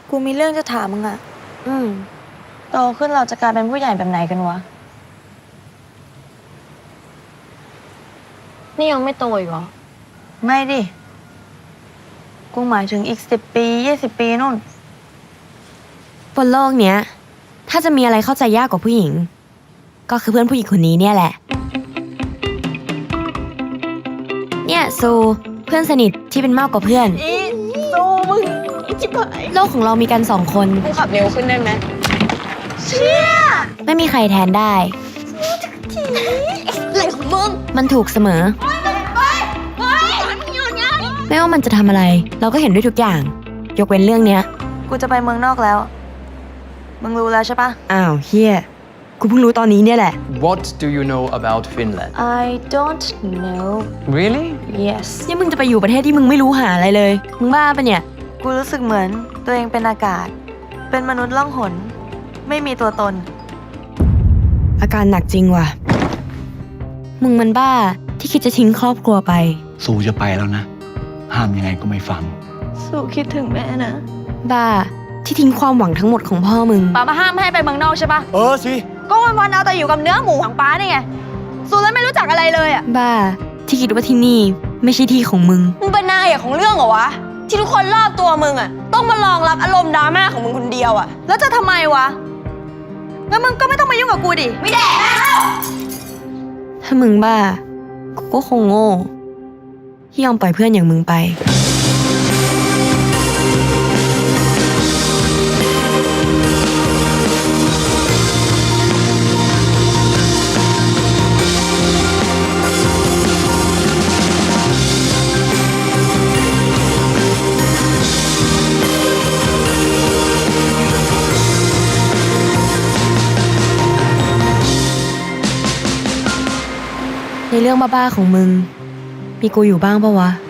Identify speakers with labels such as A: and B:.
A: กูมีเรื่องจะถามมึงอะ โตขึ้นเราจะกลายเป็นผู้ใหญ่แบบไหนกันวะ
B: นี่ยังไม่โตอีกเหรอ
A: ไม่ดิ กูหมายถึงอีก10 ปี 20 ปีนู่น
C: บนโลกเนี้ย ถ้าจะมีอะไรเข้าใจยากกว่าผู้หญิง ก็คือเพื่อนผู้หญิงคนนี้เนี่ยแหละ เนี่ยซูเพื่อนสนิทที่เป็นมากกว่าเพื่อน
A: สู้มึงอีจิบหาย
C: โลกของเรามีกัน2 คน
B: กูขับเร็วขึ้นได้ไหม
C: ไม่มีใครแทนได้
B: อะไรของมึง
C: มันถูกเสมอ ไม่ว่ามันจะทำอะไร เราก็เห็นด้วยทุกอย่าง ยกเว้นเรื่องเนี้ย
A: กูจะไปเมืองนอกแล้ว มึงรู้แล้วใช่ปะ
C: อ้าวเฮียกูเพิ่งรู้ตอนนี้เนี่ยแหละ
D: What do you know about Finland?
A: I don't know
D: Really?
A: yes
C: นี่มึงจะไปอยู่ประเทศที่มึงไม่รู้หาอะไรเลย มึงบ้าปะเนี่ย
A: กูรู้สึกเหมือนตัวเองเป็นอากาศ เป็นมนุษย์ล่องหน ไม่มีตัวตน
C: อาการหนักจริงว่ะ มึงมันบ้าที่คิดจะทิ้งครอบครัวไป
E: สู้จะไปแล้วนะ ห้ามยังไงก็ไม่ฟัง
A: สู้คิดถึงแม่นะ
C: บ้าที่ทิ้งความหวังทั้งหมดของพ่อมึง
A: ป้ามาห้ามให้ไปเมืองนอกใช่ปะ
E: เออสิ
A: ก็วันๆเอาแต่อยู่กับเนื้อหมูของป้านี่ไงสู้แล้วไม่รู้จักอะไรเลยอะ
C: บ้าที่คิดว่าที่นี่ไม่ใช่ที่ของมึง
B: มึงเป็นนางเอกของเรื่องเหรอวะ ที่ทุกคนรอบตัวมึงอะต้องมารองรับอารมณ์ดราม่าของมึงคนเดียวอะ
A: แล้วจะทำไมวะ งั้นมึงก็ไม่ต้องมายุ่งกับกูดิ
B: ไม่แดกแล้ว
C: ถ้ามึงบ้า กูก็คงโง่ที่ยอมปล่อยเพื่อนอย่างมึงไป ในเรื่องบ้าๆของมึง มีกูอยู่บ้างปะวะ